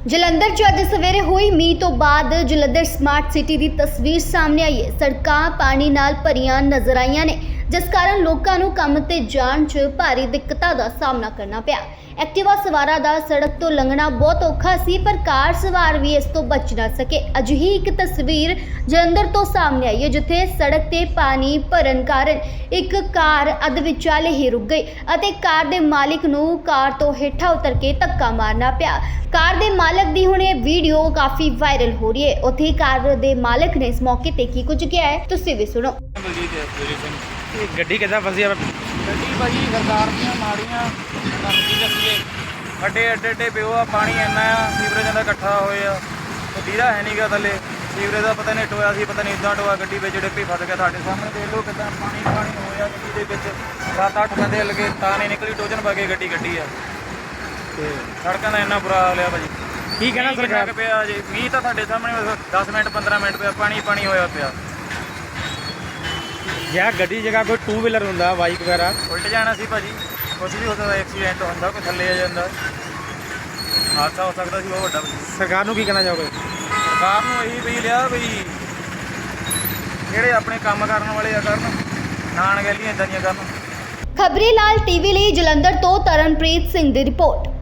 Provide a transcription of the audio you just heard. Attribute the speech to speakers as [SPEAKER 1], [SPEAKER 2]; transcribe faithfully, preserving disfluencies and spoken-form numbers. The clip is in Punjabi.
[SPEAKER 1] ਜਲੰਧਰ 'ਚ ਅੱਜ ਸਵੇਰੇ ਹੋਈ ਮੀਂਹ ਤੋਂ ਬਾਅਦ ਜਲੰਧਰ ਸਮਾਰਟ ਸਿਟੀ ਦੀ ਤਸਵੀਰ ਸਾਹਮਣੇ ਆਈ ਹੈ। ਸੜਕਾਂ ਪਾਣੀ ਨਾਲ ਭਰੀਆਂ ਨਜ਼ਰ ਆਈਆਂ ਨੇ, ਜਿਸ ਕਾਰਨ ਲੋਕਾਂ ਨੂੰ ਕੰਮ ਤੇ ਜਾਣ 'ਚ ਭਾਰੀ ਦਿੱਕਤਾਂ ਦਾ ਸਾਹਮਣਾ ਕਰਨਾ ਪਿਆ। ਐਕਟਿਵਾ ਸਵਾਰਾਂ ਦਾ ਸੜਕ ਤੋਂ ਲੰਘਣਾ ਬਹੁਤ ਔਖਾ ਸੀ, ਪਰ ਕਾਰ ਸਵਾਰ ਵੀ ਇਸ ਤੋਂ ਬਚ ਨਾ ਸਕੇ। ਅਜਿਹੀ ਇੱਕ ਤਸਵੀਰ ਜਲੰਧਰ ਤੋਂ ਸਾਹਮਣੇ ਆਈ ਹੈ, ਜਿੱਥੇ ਸੜਕ ਤੇ ਪਾਣੀ ਭਰਨ ਕਾਰਨ ਇੱਕ ਕਾਰ ਅੱਧ ਵਿਚਾਲੇ ਹੀ ਰੁਕ ਗਈ ਅਤੇ ਕਾਰ ਦੇ ਮਾਲਕ ਨੂੰ ਕਾਰ ਤੋਂ ਹੇਠਾਂ ਉਤਰ ਕੇ ਧੱਕਾ ਮਾਰਨਾ ਪਿਆ। ਕਾਰ ਦੇ ਮਾਲਕ ਦੀ ਹੁਣ ਇਹ ਵੀਡੀਓ ਕਾਫੀ ਵਾਇਰਲ ਹੋ ਰਹੀ ਹੈ। ਉੱਥੇ ਕਾਰ ਦੇ ਮਾਲਕ ਨੇ ਇਸ ਮੌਕੇ ਤੇ ਕੀ ਕੁਝ ਕਿਹਾ ਹੈ, ਤੁਸੀਂ ਵੀ ਸੁਣੋ।
[SPEAKER 2] ਇਹ ਗੱਡੀ ਕਿੱਦਾਂ ਫਸੀ ਆ?
[SPEAKER 3] ਗੱਡੀ ਭਾਜੀ ਸਰਕਾਰ ਦੀਆਂ ਮਾੜੀਆਂ ਤੁਹਾਨੂੰ ਕੀ ਦੱਸੀਏ, ਅੱਡੇ ਅੱਡੇ ਅੱਡੇ ਪਿਓ ਆ, ਪਾਣੀ ਇੰਨਾ ਆ, ਸੀਵਰੇਜ ਦਾ ਇਕੱਠਾ ਹੋਏ ਆ, ਵੀਰਾ ਹੈ ਨਹੀਂਗਾ ਥੱਲੇ, ਸੀਵਰੇਜ ਦਾ ਪਤਾ ਨਹੀਂ ਟੋਇਆ ਸੀ, ਪਤਾ ਨਹੀਂ ਇੱਦਾਂ ਟੋਇਆ, ਗੱਡੀ ਵਿੱਚ ਡਿੱਪੀ ਫਸ ਗਿਆ। ਤੁਹਾਡੇ ਸਾਹਮਣੇ ਦੇਖ ਲਓ ਕਿੱਦਾਂ ਪਾਣੀ ਪਾਣੀ ਹੋਇਆ ਗੱਡੀ ਦੇ ਵਿੱਚ, ਸੱਤ ਅੱਠ ਬੰਦੇ ਲੱਗੇ ਤਾਂ ਨਹੀਂ ਨਿਕਲੀ, ਟੋਜਨ ਪਾ ਕੇ ਗੱਡੀ ਗੱਡੀ ਆ। ਤੇ ਸੜਕਾਂ ਦਾ ਇੰਨਾ ਬੁਰਾ ਹਾਲ ਆ ਭਾਜੀ।
[SPEAKER 2] ਕੀ ਕਹਿਣਾ ਸਰਕਾਰ?
[SPEAKER 3] ਪਿਆ ਜੀ ਮੀਂਹ ਤਾਂ ਤੁਹਾਡੇ ਸਾਹਮਣੇ ਦਸ ਮਿੰਟ ਪੰਦਰਾਂ ਮਿੰਟ ਪਿਆ, ਪਾਣੀ ਪਾਣੀ ਹੋਇਆ ਪਿਆ।
[SPEAKER 2] ਜਾਂ ਗੱਡੀ ਜਗ੍ਹਾ ਕੋਈ ਟੂ ਵੀਲਰ ਹੁੰਦਾ, ਬਾਈਕ ਵਗੈਰਾ,
[SPEAKER 3] ਉਲਟ ਜਾਣਾ ਸੀ ਭਾਜੀ, ਕੁਛ ਵੀ ਹੋ ਸਕਦਾ, ਐਕਸੀਡੈਂਟ ਹੁੰਦਾ, ਕੋਈ ਥੱਲੇ ਆ ਜਾਂਦਾ, ਹਾਦਸਾ ਹੋ ਸਕਦਾ ਸੀ ਬਹੁਤ ਵੱਡਾ।
[SPEAKER 2] ਸਰਕਾਰ ਨੂੰ ਕੀ ਕਹਿਣਾ ਚਾਹੋਗੇ?
[SPEAKER 3] ਸਰਕਾਰ ਨੂੰ ਇਹੀ ਵੀ ਲਿਆ ਵੀ ਜਿਹੜੇ ਆਪਣੇ ਕੰਮ ਕਰਨ ਵਾਲੇ ਆ ਕਰਨ, ਨਾ ਅਣਗਹਿਲੀਆਂ ਇੱਦਾਂ ਦੀਆਂ ਕਰਨ।
[SPEAKER 1] ਖਬਰੀ ਲਾਲ ਟੀਵੀ ਲਈ ਜਲੰਧਰ ਤੋਂ ਤਰਨਪ੍ਰੀਤ ਸਿੰਘ ਦੀ ਰਿਪੋਰਟ।